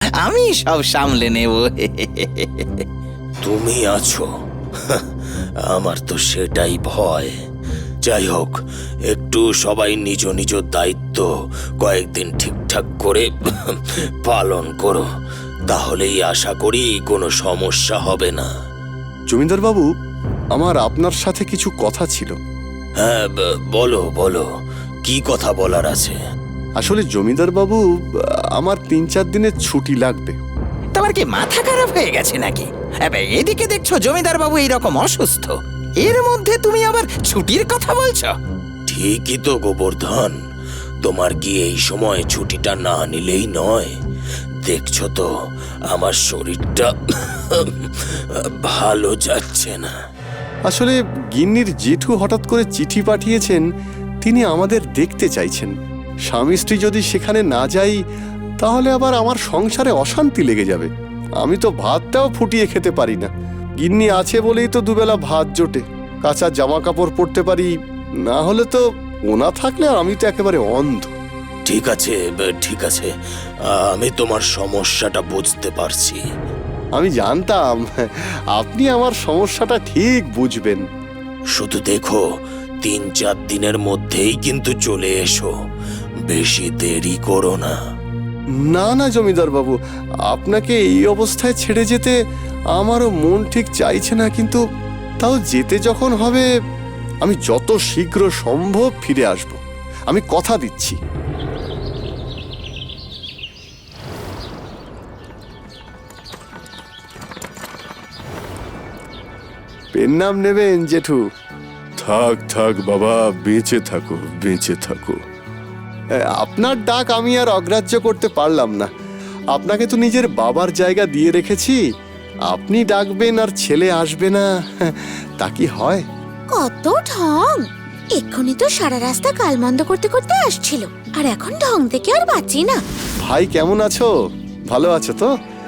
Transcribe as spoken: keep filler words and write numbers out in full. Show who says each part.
Speaker 1: আমি সব সামলে নেব।
Speaker 2: তুমি আছো, আমার তো সেটাই ভয়। যাই হোক, একটু সবাই নিজ নিজ দায়িত্ব কয়েকদিন ঠিকঠাক করে পালন করো, তাহলেই আশা করি কোনো সমস্যা হবে না।
Speaker 3: জমিদার বাবু, আমার আপনার সাথে কিছু কথা ছিল।
Speaker 2: হ্যাঁ, বলো বলো, কি কথা বলার আছে?
Speaker 3: আসলে জমিদার বাবু, আমার তিন চার দিনের ছুটি লাগবে।
Speaker 1: তোমার কি মাথা খারাপ হয়ে গেছে নাকি? এবে, এদিকে দেখছো জমিদার বাবু এইরকম অসুস্থ, এর মধ্যে তুমি আবার ছুটির কথা বলছো?
Speaker 2: ঠিকই তো গোবর্ধন, তোমার কি এই সময় ছুটিটা না নিলেই নয়? দেখছো তো আমার শরীরটা ভালো যাচ্ছে না।
Speaker 3: আসলে গিন্নির জেঠু হঠাৎ করে চিঠি পাঠিয়েছেন, তিনি আমাদের দেখতে চাইছেন। স্বামী স্ত্রী যদি সেখানে না যাই, তাহলে আবার আমার সংসারে অশান্তি লেগে যাবে। আমি তো ভাতটাও ফুটিয়ে খেতে পারি না। গিন্নি আছে বলেই তো দুবেলা ভাত জোটে, কাঁচা জামা কাপড় পরতে পারি, না হলে তো ওনা থাকলে আমি তো একেবারে অন্ধ।
Speaker 2: ঠিক আছে ঠিক আছে, আমি তোমার সমস্যাটা বুঝতে পারছি।
Speaker 3: আমি জানতাম আপনি আমার সমস্যাটা ঠিক বুঝবেন।
Speaker 2: শুধু দেখো, তিন চার দিনের মধ্যেই কিন্তু চলে এসো, বেশি দেরি করো না।
Speaker 3: না না জমিদার বাবু, আপনাকে এই অবস্থায় ছেড়ে যেতে আমারও মন ঠিক চাইছে না, কিন্তু তাও যেতে যখন হবে, আমি যত শীঘ্র সম্ভব ফিরে আসব, আমি কথা দিচ্ছি। পেন নাম নেবেন জেঠু?
Speaker 4: থাক থাক বাবা, বেঁচে থাকো বেঁচে থাকো।
Speaker 3: আপনার ডাক আমি আর অগ্রাহ্য করতে পারলাম না। আপনাকে তো নিজের বাবার জায়গা দিয়ে রেখেছি, আপনি ডাকবেন আর ছেলে আসবে না, তা কি হয়?
Speaker 5: কত ঢং! এক্ষুনি তো সারা রাস্তা কালমন্দ করতে করতে আসছিল, আর এখন ঢং থেকে আর বাঁচি না।
Speaker 3: ভাই কেমন আছো? ভালো আছো তো?